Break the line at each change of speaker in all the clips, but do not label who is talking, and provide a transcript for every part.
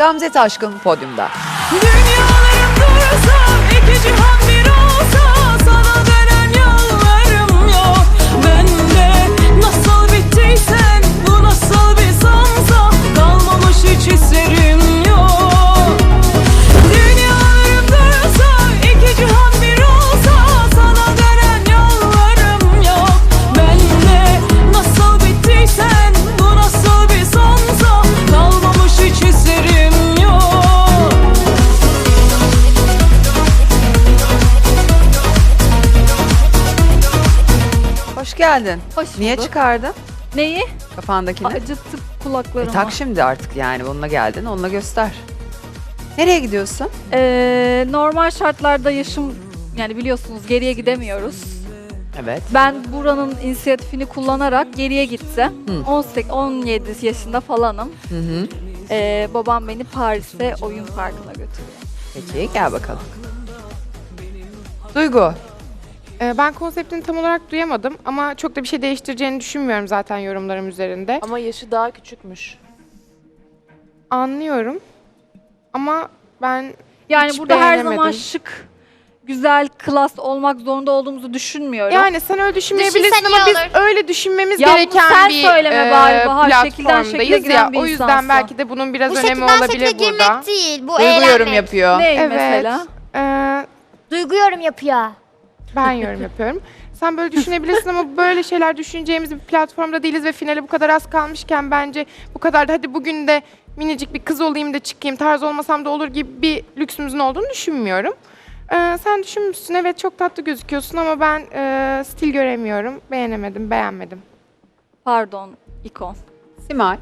Gamze Taşkın podyumda.
Dünyalarım dursa, iki cihan bir olsa, sana dönen yollarım yok. Ben de nasıl bittiysen, bu nasıl bir sansa, kalmamış hiç hislerim yok. Dünyalarım dursa, iki cihan bir olsa, sana dönen yollarım yok. Ben de nasıl bittiysen, bu nasıl bir sansa, kalmamış hiç hislerim yok.
Hoş geldin.
Hoş
Niye
bulduk.
çıkardın
Neyi?
kafandakini?
Acıttı kulaklarımı.
Tak şimdi artık yani bununla geldin, onunla göster. Nereye gidiyorsun?
Normal şartlarda yaşım, yani biliyorsunuz geriye gidemiyoruz.
Evet.
Ben buranın inisiyatifini kullanarak geriye gitsem,
Hı.
17 yaşında falanım.
Hı hı.
Babam beni Paris'te oyun parkına götürüyor.
Peki gel bakalım. Duygu.
Ben konseptini tam olarak duyamadım ama çok da bir şey değiştireceğini düşünmüyorum zaten yorumlarım üzerinde.
Ama yaşı daha küçükmüş.
Anlıyorum ama ben
Yani
hiç
burada her zaman
beğenemedim.
şık, güzel, klas olmak zorunda olduğumuzu düşünmüyorum.
Yani sen öyle düşünmeyebilirsin
Düşünsen
ama
iyi
biz
olur.
öyle düşünmemiz
Ya bunu
gereken
sen
bir
söyleme bari Bahar, şekilden şekile
platformdayız
giren
ya.
bir
O yüzden
insansın.
belki de bunun biraz
Bu
önemi
şekilden
olabilir
şekle
burada.
girmek değil, bu
Duygu
eğlenmek.
yorum yapıyor.
Ne
Evet.
mesela?
Duygu yorum yapıyor.
Ben yorum yapıyorum. Sen böyle düşünebilirsin ama böyle şeyler düşüneceğimiz bir platformda değiliz ve finale bu kadar az kalmışken bence bu kadar da hadi bugün de minicik bir kız olayım da çıkayım, tarz olmasam da olur gibi bir lüksümüzün olduğunu düşünmüyorum. Sen düşünmüşsün, evet çok tatlı gözüküyorsun ama ben stil göremiyorum. Beğenmedim.
Pardon, ikon.
Simay.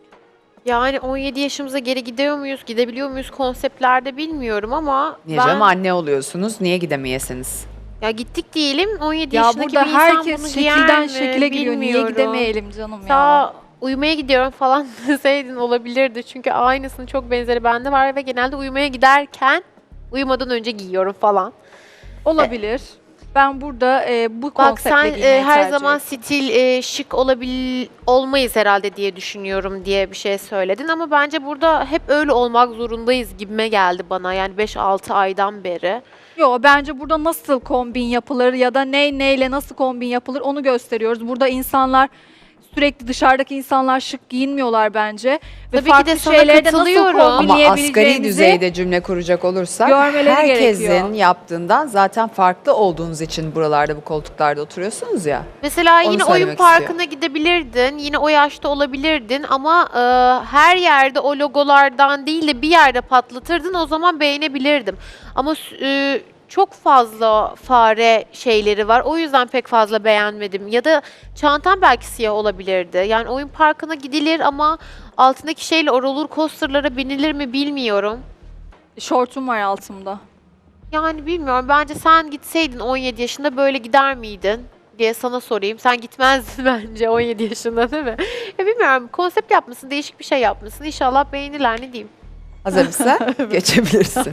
Yani 17 yaşımıza geri gidiyor muyuz, gidebiliyor muyuz konseptlerde bilmiyorum ama
Niye canım anne oluyorsunuz? Niye gidemeyesiniz?
ya gittik diyelim 17
Ya
yaşındaki
burada
bir insan
herkes
bunu
şekilden
giyer mi
şekile giriyor. Niye
bilmiyorum.
gidemeyelim canım ya?
Daha uyumaya gidiyorum falan deseydin olabilirdi. Çünkü aynısının çok benzeri bende var ve genelde uyumaya giderken uyumadan önce giyiyorum falan.
Olabilir. Ben burada bu
Bak
konseptle
sen
giymeyi
her
tercih
zaman
ettim.
stil şık olmayız herhalde diye düşünüyorum diye bir şey söyledin ama bence burada hep öyle olmak zorundayız gibime geldi bana yani 5-6 aydan beri.
Yo, bence burada nasıl kombin yapılır ya da neyle nasıl kombin yapılır onu gösteriyoruz. Burada insanlar sürekli dışarıdaki insanlar şık giyinmiyorlar bence. Ve
Tabii ki
farklı
de sana
şeyleri de nasıl
katılıyorum.
Ama asgari
kombinleyebileceğimizi
düzeyde cümle kuracak olursak
görmeleri
herkesin
gerekiyor.
yaptığından zaten farklı olduğunuz için buralarda bu koltuklarda oturuyorsunuz ya.
Mesela
Onu
yine oyun
söylemek
parkına gidebilirdin, yine o yaşta olabilirdin ama her yerde o logolardan değil de bir yerde patlatırdın o zaman beğenebilirdim. Ama çok fazla fare şeyleri var o yüzden pek fazla beğenmedim. Ya da çantam belki siyah olabilirdi. Yani oyun parkına gidilir ama altındaki şeyle o roller coaster'lara binilir mi bilmiyorum.
Şortum var altımda.
Yani bilmiyorum. Bence sen gitseydin 17 yaşında böyle gider miydin diye sana sorayım. Sen gitmezdin bence 17 yaşında değil mi? Ya bilmiyorum. Konsept yapmışsın, değişik bir şey yapmışsın. İnşallah beğenirler ne diyeyim.
Hazır mısın? Geçebilirsin.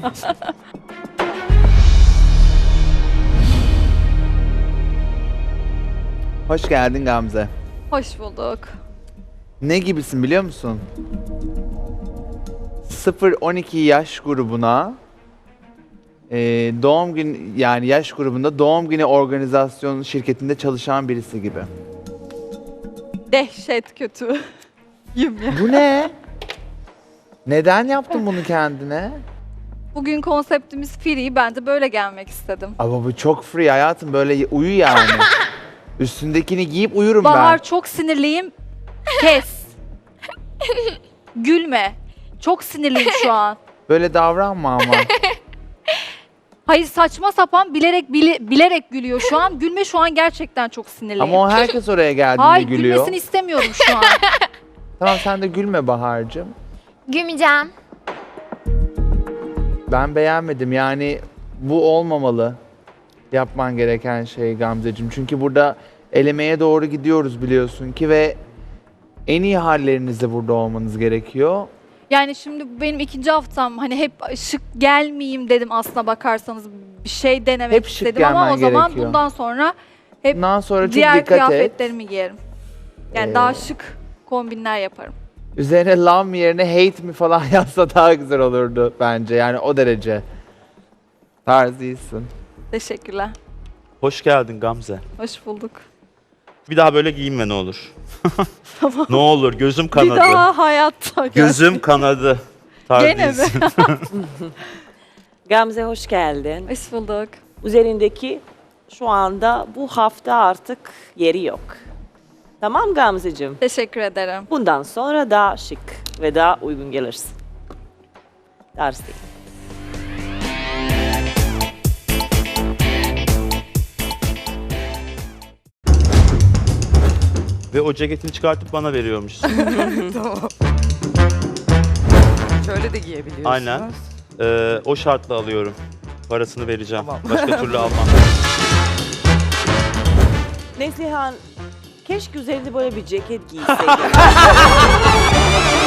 Hoş geldin Gamze.
Hoş bulduk.
Ne gibisin biliyor musun? 0-12 yaş grubuna doğum gün yani yaş grubunda doğum günü organizasyon şirketinde çalışan birisi gibi.
Dehşet kötü. Yüm ya.
Bu ne? Neden yaptın bunu kendine?
Bugün konseptimiz free. Ben de böyle gelmek istedim.
Ama bu çok free hayatım böyle uyu yani. Üstündekini giyip uyurum
Bahar
ben.
çok sinirliyim. Kes. Gülme. Çok sinirliyim şu an.
Böyle davranma ama.
Hayır, saçma sapan bilerek gülüyor şu an. Gülme, şu an gerçekten çok sinirliyim.
Ama o herkes oraya geldiğinde
Hayır,
gülüyor.
gülmesini istemiyorum şu an.
Tamam sen de gülme Bahar'cığım.
Gülmeyeceğim.
Ben beğenmedim yani bu olmamalı yapman gereken şey Gamzeciğim. Çünkü burada elemeye doğru gidiyoruz biliyorsun ki ve en iyi hallerinizde burada olmanız gerekiyor.
Yani şimdi benim ikinci haftam, hani hep şık gelmeyeyim dedim aslına bakarsanız, bir şey denemek
Hep şık
istedim ama
gelmen
o zaman
gerekiyor.
bundan sonra hep
Bundan sonra çok
diğer
dikkat et.
kıyafetlerimi giyerim. Yani
Ee,
daha şık kombinler yaparım.
üzerine love yerine hate mi falan yazsa daha güzel olurdu bence. Yani o derece. Tarz değilsin.
Teşekkürler.
Hoş geldin Gamze.
Hoş bulduk.
Bir daha böyle giyinme ne olur. Ne olur gözüm kanadı.
Bir daha hayatta.
Gözüm kanadı. Tarz
Gene mi?
değilsin.
Gamze hoş geldin.
Hoş bulduk.
Üzerindeki şu anda bu hafta artık yeri yok. Tamam Gamzeciğim.
Teşekkür ederim.
Bundan sonra daha şık ve daha uygun gelirsin. Tarz değil.
Ve o ceketini çıkartıp bana veriyormuşsun.
Şöyle de giyebiliyorsunuz.
Aynen. O şartla alıyorum. Parasını vereceğim.
Tamam.
Başka türlü almam.
Neslihan, keşke üzerinde böyle bir ceket giyseydin.